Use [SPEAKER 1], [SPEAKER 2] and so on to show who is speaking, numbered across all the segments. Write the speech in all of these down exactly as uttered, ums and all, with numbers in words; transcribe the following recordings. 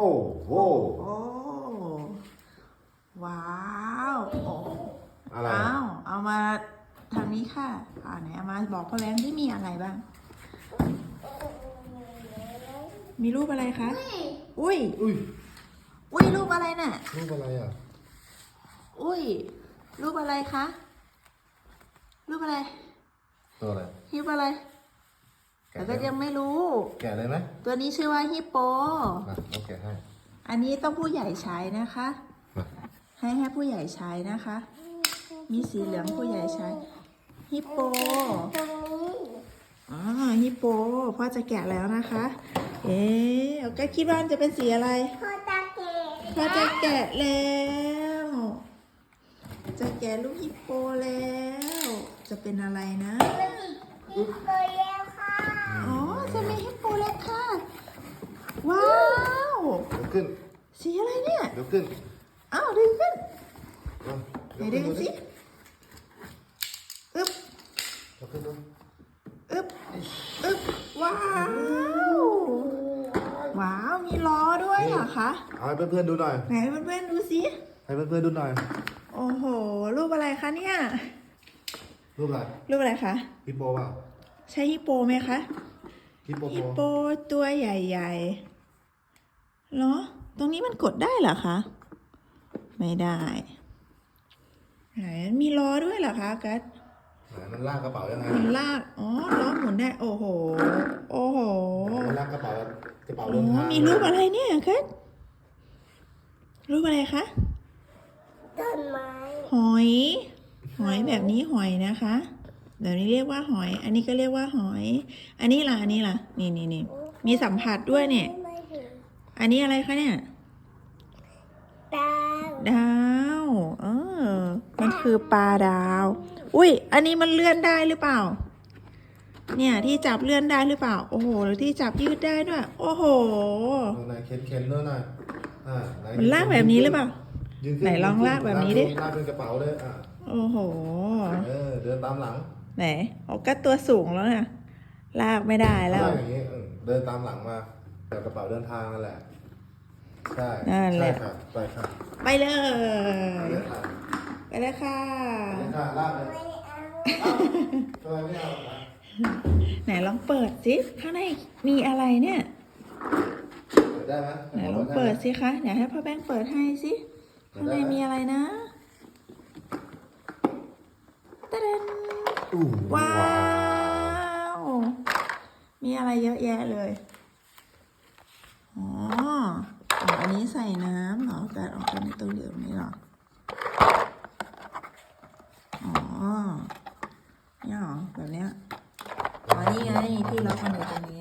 [SPEAKER 1] โห
[SPEAKER 2] โอ้ว้าวโอ้
[SPEAKER 1] อะไร
[SPEAKER 2] อ้าวเอามาทางนี้ค่ะอ่าไหนเอามาบอกพ่อแบงค์ที่มีอะไรบ้าง มีรูปอะไรคะ อุ้ย
[SPEAKER 1] อุ้ย
[SPEAKER 2] อุ้ยรูปอะไรน่ะ
[SPEAKER 1] รูปอะไรอ่ะ
[SPEAKER 2] อุ้ยรูปอะไรคะ รูปอะไร
[SPEAKER 1] ตัวอะไร
[SPEAKER 2] ฮิปอะไรแต่ก็ยังไม่รู้
[SPEAKER 1] แกะเลยไหม
[SPEAKER 2] ตัวนี้ชื่อว่าฮิปโป
[SPEAKER 1] มาโอเคให้
[SPEAKER 2] อันนี้ต้องผู้ใหญ่ใช้นะคะ
[SPEAKER 1] มา
[SPEAKER 2] ให้ให้ผู้ใหญ่ใช้นะคะ มีสีเหลืองผู้ใหญ่ใช้ ฮิปโป อ๋อ ฮิปโป พ่อจะแกะแล้วนะคะ เอ๊ะก็คิดว่าจะเป็นสีอะไร
[SPEAKER 3] พ่อตาเกะ
[SPEAKER 2] พ่อจะแกะแล้ว จะแกะลูกฮิปโปแล้ว จะเป็นอะไรนะ
[SPEAKER 3] ฮิปโปเลี้ยวค่ะ
[SPEAKER 2] อ๋อ จะมีฮิปโปแล้วค่ะ ว้าว
[SPEAKER 1] เดี๋ยวขึ้น
[SPEAKER 2] สีอะไรเนี่ย
[SPEAKER 1] เดี๋ยวขึ้น
[SPEAKER 2] อ้าวดึงขึ้น
[SPEAKER 1] เอา
[SPEAKER 2] ไหนดึงสิอึ๊บ
[SPEAKER 1] เดี๋ยวขึ้นดู
[SPEAKER 2] อึ๊บ อึ๊บ ว้าว ว้าว มีล้อด้วยเหรอคะ
[SPEAKER 1] เอาให้เพื่อนๆดูหน่อย
[SPEAKER 2] ไหนเพื่อนๆดูสิ
[SPEAKER 1] ให้เพื่อนๆดูหน่อย
[SPEAKER 2] โอ้โห รูปอะไรคะเนี่ย
[SPEAKER 1] รูปอะไร
[SPEAKER 2] รูปอะไรคะ
[SPEAKER 1] ฮิปโปเปล่า
[SPEAKER 2] ใช่ฮิปโปไหมคะ
[SPEAKER 1] ฮิปโป
[SPEAKER 2] ฮิปโปตัวใหญ่ๆเหรอ ตรงนี้มันกดได้เหรอคะ ไม่ได้ไหนมีล้อด้วยเหรอคะกัส
[SPEAKER 1] ไหนมันลากกระเป๋ายังไง
[SPEAKER 2] มันลาก อ๋อ ล้อหมุนได้ โอ้โห โอ้โห
[SPEAKER 1] มันลากกระเป๋ากระเป๋า
[SPEAKER 2] โอ้
[SPEAKER 1] เดินทาง
[SPEAKER 2] มีรูปอะไรเนี่ยกัสรูปอะไรคะ
[SPEAKER 3] ต้นไม้
[SPEAKER 2] หอย หอยแบบนี้หอยนะคะแบบนี้เรียกว่าหอย อันนี้ก็เรียกว่าหอย อันนี้ล่ะ อันนี้ล่ะ นี่นี่นี่มีสัมผัสด้วยเนี่ย
[SPEAKER 3] ไม่ถึง
[SPEAKER 2] อันนี้อะไรคะเนี่ย
[SPEAKER 3] ดาว
[SPEAKER 2] ดาว เออ มันคือปลาดาว อุ้ย อันนี้มันเลื่อนได้หรือเปล่า เนี่ยที่จับเลื่อนได้หรือเปล่า โอ้โหหรือที่จับยืดได้ด้วย โอ้โห
[SPEAKER 1] เอาไหนเข็นเข็นด้วยหน่อยอ่าไห
[SPEAKER 2] มันลากแบบนี้หรือเปล่า
[SPEAKER 1] ยืขึ้
[SPEAKER 2] ไหนลองลากแบบนี้ดิ
[SPEAKER 1] ลากเป็นกระเป๋าเลยอ่ะ
[SPEAKER 2] โอ้โห
[SPEAKER 1] เออเดินตามหลัง
[SPEAKER 2] ไหนโอ้ก็ตัวสูงแล้วนะลากไม่ได้แล้ว
[SPEAKER 1] ลากอย่างนี้เออเดินตามหลังมาแบบกระเป๋าเดินทางนั่นแหละใช่
[SPEAKER 2] นั่นแห
[SPEAKER 1] ใช่
[SPEAKER 2] ละ
[SPEAKER 1] ค่ะไปค่ะ
[SPEAKER 2] ไปเลย
[SPEAKER 1] ไปเลยค่ะ
[SPEAKER 2] ไปเลยค่ะ
[SPEAKER 1] ไปเลยค่ะลากเลย
[SPEAKER 3] ไม่เอา
[SPEAKER 1] เอ้าทำไมไม่เอาล่ะ
[SPEAKER 2] ไหนลองเปิดสิข้างในมีอะไรเนี่ย
[SPEAKER 1] เปิดได้ไหม
[SPEAKER 2] ไหนลองเปิดสิคะเดี๋ยวให้พ่อแบงค์เปิดให้สิข้างในมีอะไรนะตะเดน
[SPEAKER 1] อู้
[SPEAKER 2] ว้าว มีอะไรเยอะแยะเลย อ๋ออ๋ออันนี้ใส่น้ำเหรอการออกเป็นตัวเหลืองนี่เหรอ อ๋อเนี่ยเหรอแบบเนี้ยอ๋อนี่ไงที่ล็อกมันอยู่ตรงนี้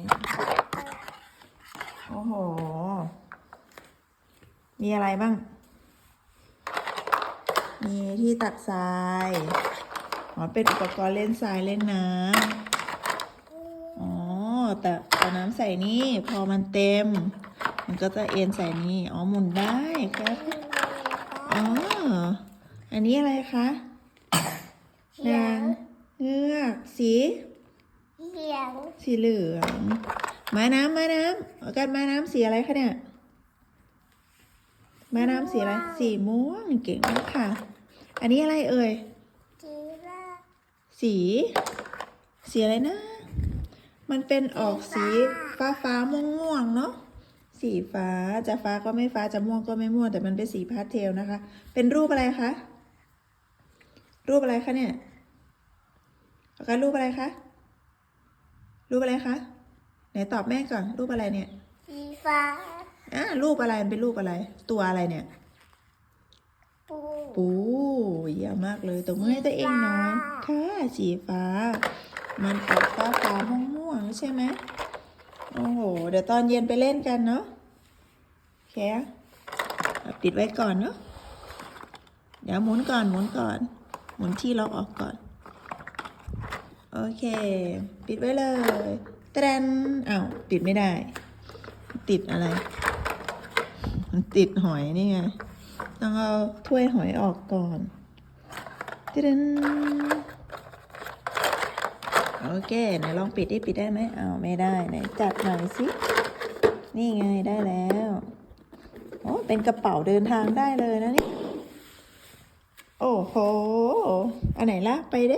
[SPEAKER 2] โอ้โห มีอะไรบ้าง มีที่ตักทรายอ๋อเป็นอุปกรณ์เล่นทรายเล่นน้ำอ๋อ แต่เอาน้ำใส่นี่ พอมันเต็ม มันก็จะเอ็นใส่นี่ อ๋อ หมุนได้ครับ อ๋อ อันนี้อะไรคะนางเงือกสี
[SPEAKER 3] เหลียง
[SPEAKER 2] สีเหลืองม้าน้ำม้าน้ำเอากันม้าน้ำสีอะไรคะเนี่ยม้าน้ำสีอะไร สีม่วงเก่งมากค่ะ อันนี้อะไรเอ่ย
[SPEAKER 3] จีราฟ
[SPEAKER 2] สี สีอะไรนะ มันเป็นออกสีฟ้าฟ้าม่วงม่วงๆเนาะ สีฟ้าจะฟ้าก็ไม่ฟ้าจะม่วงก็ไม่ม่วงแต่มันเป็นสีพาสเทลนะคะ เป็นรูปอะไรคะ รูปอะไรคะเนี่ยเอากันรูปอะไรคะ รูปอะไรคะ ไหนตอบแม่ก่อน รูปอะไรเนี่ย
[SPEAKER 3] สีฟ้า
[SPEAKER 2] อ่ารูปอะไรมันเป็นรูปอะไร ตัวอะไรเนี่ย
[SPEAKER 3] ปู
[SPEAKER 2] ปูเยี่ยมมากเลยตบมือให้ตัวเองหน่อยค่ะสีฟ้า มันออกฟ้าฟ้าม่วงม่วงๆใช่ไหมโอ้โห เดี๋ยวตอนเย็นไปเล่นกันเนาะโอเคเอาปิดไว้ก่อนเนาะเดี๋ยวหมุนก่อนหมุนก่อน หมุนที่ล็อกออกก่อน โอเค ปิดไว้เลยตะแดนอ้าวปิดไม่ได้ ติดอะไร มันติดหอยนี่ไง ต้องเอาถ้วยหอยออกก่อนตะแดนโอเค ไหนลองปิดดิปิดได้ไหมอ้าวไม่ได้ ไหนจัดหน่อยสิ นี่ไงได้แล้วโอ้เป็นกระเป๋าเดินทางได้เลยนะนี่โอ้โหอันไหนลากไปเด้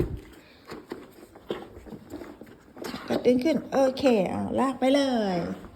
[SPEAKER 2] กระดึงขึ้นโอเคเอาลากไปเลย